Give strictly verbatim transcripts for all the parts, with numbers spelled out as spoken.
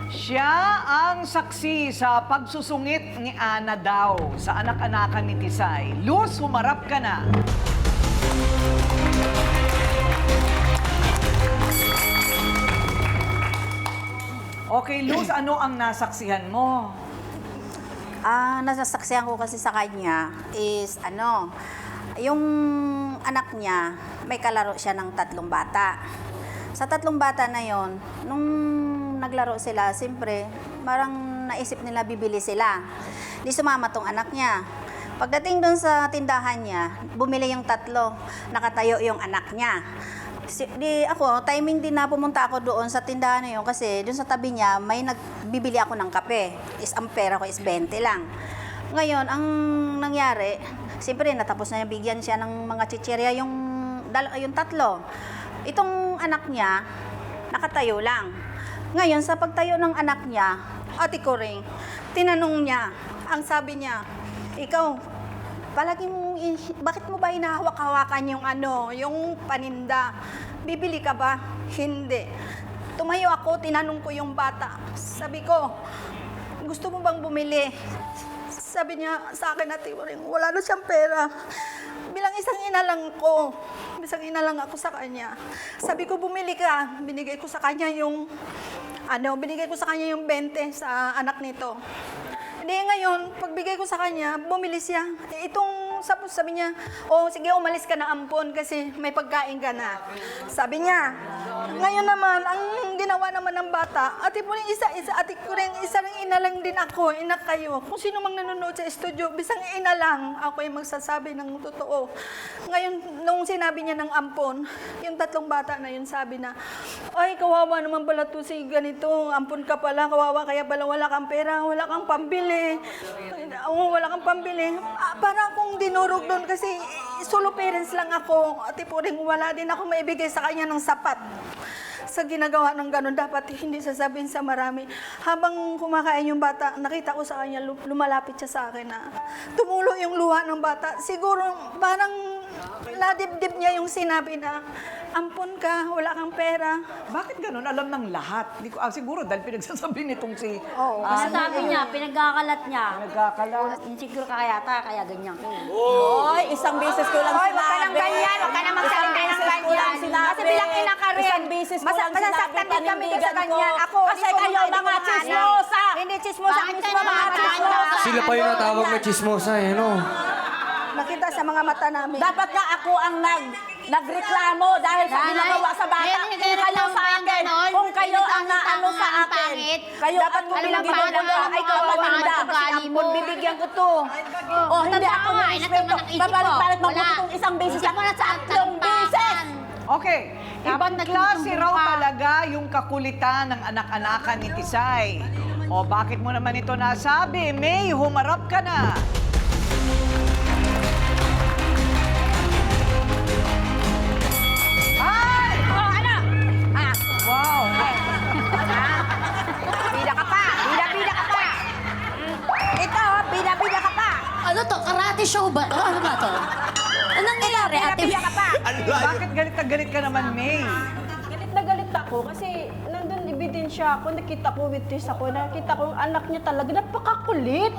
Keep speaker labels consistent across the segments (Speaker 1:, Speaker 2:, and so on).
Speaker 1: Siya ang saksi sa pagsusungit ni Ana daw sa anak-anakan ni Tisay. Luz, humarap ka na. Okay, Luz, ano ang nasaksihan mo?
Speaker 2: Ah, nasasaksihan ko kasi sa kanya is ano, yung anak niya, may kalaro siya ng tatlong bata. Sa tatlong bata na yon, nung naglaro sila, siyempre, parang naisip nila bibili sila. Di sumama tong anak niya. Pagdating doon sa tindahan niya, bumili yung tatlo, nakatayo yung anak niya. Si, di ako, timing din na pumunta ako doon sa tindahan na yun kasi doon sa tabi niya may nagbibili ako ng kape. Is ang pera ko is twenty lang. Ngayon, ang nangyari, siyempre natapos na niya bigyan siya ng mga chichirya yung, dal- yung tatlo. Itong anak niya, nakatayo lang. Ngayon, sa pagtayo ng anak niya, ate ko rin, tinanong niya, ang sabi niya, ikaw, palagi mo, bakit mo ba hinahawak-hawakan yung ano, yung paninda? Bibili ka ba? Hindi. Tumayo ako, tinanong ko yung bata. Sabi ko, gusto mo bang bumili? Sabi niya sa akin, ate Uring, wala na siyang pera. Bilang isang ina lang ko, isang ina lang ako sa kanya. Sabi ko, bumili ka. Binigay ko sa kanya yung, ano, binigay ko sa kanya yung twenty sa anak nito. Hindi, ngayon, pagbigay ko sa kanya, bumili siya. Eh, itong, sabi, sabi niya, oh, sige, umalis ka na ampon kasi may pagkain ka na. Sabi niya. Ngayon naman, ang ginawa naman ng bata, ate po rin isa, isa, ate ko rin, isang ina lang din ako, ina kayo. Kung sino mang nanonood sa studio, bisang ina lang, ako yung magsasabi ng totoo. Ngayon, nung sinabi niya ng ampon, yung tatlong bata na yun sabi na, ay, kawawa naman pala to si ganito, ampon ka pala, kawawa, kaya pala wala kang pera, wala kang pambili. Oo, wala kang pambili. Ah, para akong dinurog doon kasi solo parents lang ako. Ate po rin, wala din ako maibigay sa kanya ng sapat. Sa ginagawa ng gano'n, dapat hindi sasabihin sa marami. Habang kumakain yung bata, nakita ko sa kanya, lumalapit siya sa akin na tumulo yung luha ng bata. Siguro parang nadibdib niya yung sinabi na, ampon ka, wala kang pera.
Speaker 1: Bakit ganun? Alam ng lahat. Di ko, ah, siguro dahil pinagsasabi nitong si...
Speaker 2: Oo,
Speaker 1: ah,
Speaker 3: Kasi sabi niya, pinagkakalat niya.
Speaker 1: nagkakalat.
Speaker 3: Insecure ka kaya ta, kaya ganyan ko.
Speaker 4: Hoy, isang beses ko lang
Speaker 2: Hoy,
Speaker 4: sinabi.
Speaker 2: wag ka nang ganyan, wag ka nang magsalita ng
Speaker 4: Isang beses ko
Speaker 2: ganyan.
Speaker 4: lang sinabi.
Speaker 2: Kasi bilang ina ka rin,
Speaker 4: Isang beses ko
Speaker 2: Masa-
Speaker 4: lang sinabi,
Speaker 2: masasaktan din kami sa
Speaker 4: panindigan
Speaker 2: ganyan.
Speaker 4: ko.
Speaker 2: Ako,
Speaker 4: Kasi
Speaker 2: hindi ko
Speaker 4: kayo,
Speaker 2: hindi ko
Speaker 4: mga
Speaker 2: mahanap.
Speaker 4: chismosa.
Speaker 2: Hindi chismosa,
Speaker 3: Bakit
Speaker 2: mismo
Speaker 3: ka
Speaker 2: mga
Speaker 3: naman
Speaker 2: chismosa.
Speaker 5: Sila pa yung natawag na chismosa eh, no?
Speaker 2: Nakita sa mga mata namin.
Speaker 4: Dapat nga ako ang nag nagreklamo dahil sa
Speaker 3: Nanay,
Speaker 4: ginagawa sa bata.
Speaker 3: eh,
Speaker 4: Kung kayo
Speaker 3: nagreklamo
Speaker 4: sa
Speaker 3: pa yung
Speaker 4: akin,
Speaker 3: ganon.
Speaker 4: kung kayo ang
Speaker 3: Pinagkakita
Speaker 4: naano
Speaker 3: ka
Speaker 4: sa
Speaker 3: nga ng
Speaker 4: akin,
Speaker 3: pangit.
Speaker 4: kayo
Speaker 2: Dapat
Speaker 4: ang
Speaker 2: kung
Speaker 3: Alam
Speaker 2: bilang
Speaker 3: mo,
Speaker 2: ginugulo,
Speaker 3: parang
Speaker 2: ay kawawa
Speaker 3: mga
Speaker 2: naman to kasi
Speaker 3: ugali
Speaker 2: ampon,
Speaker 3: mo.
Speaker 2: bibigyan ko to.
Speaker 4: Oh, hindi
Speaker 3: Tanda
Speaker 4: ako
Speaker 3: mo,
Speaker 4: ng
Speaker 3: eh,
Speaker 4: respeto.
Speaker 3: nasa ng isip
Speaker 4: Babalik-balik
Speaker 3: ko.
Speaker 4: mabuti
Speaker 3: Wala.
Speaker 4: kung isang beses
Speaker 3: Isip
Speaker 4: lang.
Speaker 3: mo na sa
Speaker 4: Tatlong beses!
Speaker 1: Okay. Ibang
Speaker 3: Dapat
Speaker 1: klase
Speaker 3: nagsusumbong
Speaker 1: raw
Speaker 3: ka.
Speaker 1: talaga yung kakulitan ng anak-anakan ni Tisay. O bakit mo naman ito nasabi? May, humarap ka na. Ay!
Speaker 2: Oh, ano? Ah,
Speaker 1: Wow!
Speaker 2: bida ka pa. Bida-bida ka pa. Ito, bida-bida ka pa.
Speaker 3: Ano to? Karate show ba? to? Ano ba to? Anong nangyari, ate?
Speaker 2: Bida-bida ka pa.
Speaker 1: Bakit galit na galit ka naman, May?
Speaker 6: Galit na galit ako kasi nandun ebidensya ako, nakita ko witness ako, nakita ko yung anak niya talaga, napakakulit.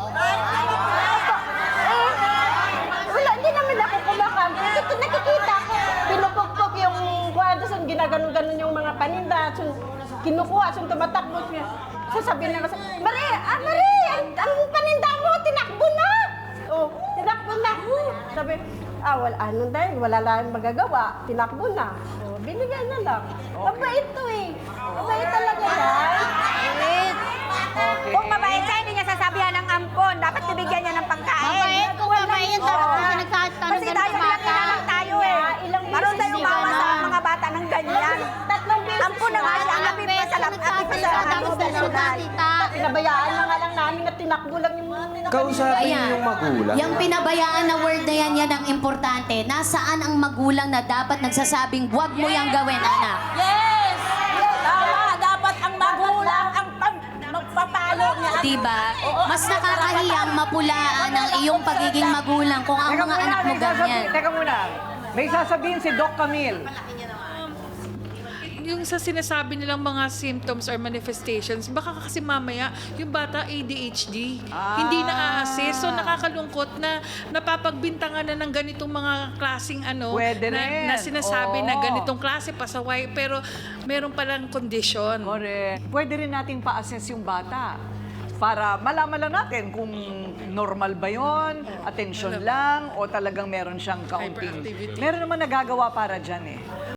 Speaker 6: Eh, wala, hindi namin ako kumakam. Nakikita, nakikita ko, pinupukpok yung kwadro, so ginaganon-ganon yung mga paninda, so kinukuha, so tumatakbo siya. Sasabihin na kasi, Marie, ah, Marie, ang, ang paninda mo, tinakbo na! Oh, tinakbo na. Sabi, ah, wala, ano dahil, wala lang magagawa, tinakbo na. Oh, binigay na lang. Mabait to eh. Mabait talaga yan.
Speaker 2: Wait. Kung mabait siya, hindi niya sasabihan ng ampon. Dapat bibigyan niya ng pagkain.
Speaker 3: Mabait, kung mabait, dapat kung nagsasabi
Speaker 2: Kasi
Speaker 3: ng
Speaker 2: tayo
Speaker 3: ganun
Speaker 2: bilang
Speaker 3: bata.
Speaker 2: ina lang tayo eh.
Speaker 6: Ilang
Speaker 2: Maroon
Speaker 6: beses
Speaker 2: tayong
Speaker 6: hindi
Speaker 2: umawa sa
Speaker 3: ganun.
Speaker 2: mga bata ng ganyan.
Speaker 6: Tatlong beses
Speaker 2: Ampon na nga siya. Ang apit pa sa lap, apit pa sa
Speaker 3: Tapos
Speaker 2: national.
Speaker 6: Pinabayaan na nga lang namin at tinakbo lang yung mga
Speaker 5: Kausapin niyo yung magulang.
Speaker 7: Yung pinabayaan na word na yan, yan ang importante. Nasaan ang magulang na dapat nagsasabing, huwag mo yang gawin, anak?
Speaker 4: Yes! Tama, dapat ang magulang ang pag- magpapalo niya.
Speaker 7: Diba? Mas nakakahiyang mapulaan ang iyong pagiging magulang kung ang
Speaker 1: Teka
Speaker 7: mga
Speaker 1: muna,
Speaker 7: anak mo
Speaker 1: may sasabihin,
Speaker 7: ganyan.
Speaker 1: teka muna. May sasabihin si Doc Camille.
Speaker 8: yung sa sinasabi nilang mga symptoms or manifestations, baka kasi mamaya yung bata A D H D,
Speaker 1: Ah.
Speaker 8: hindi na-assess. So nakakalungkot na napapagbintangan na ng ganitong mga klaseng ano,
Speaker 1: Pwede
Speaker 8: na,
Speaker 1: rin.
Speaker 8: na sinasabi na
Speaker 1: Oo.
Speaker 8: ganitong klase pasaway, pero meron palang kondisyon.
Speaker 1: Correct. Pwede rin nating pa-assess yung bata para malaman lang natin kung normal ba yon, attention lang, o talagang meron siyang kaunting.
Speaker 8: Hyperactivity.
Speaker 1: Meron naman nagagawa para dyan eh.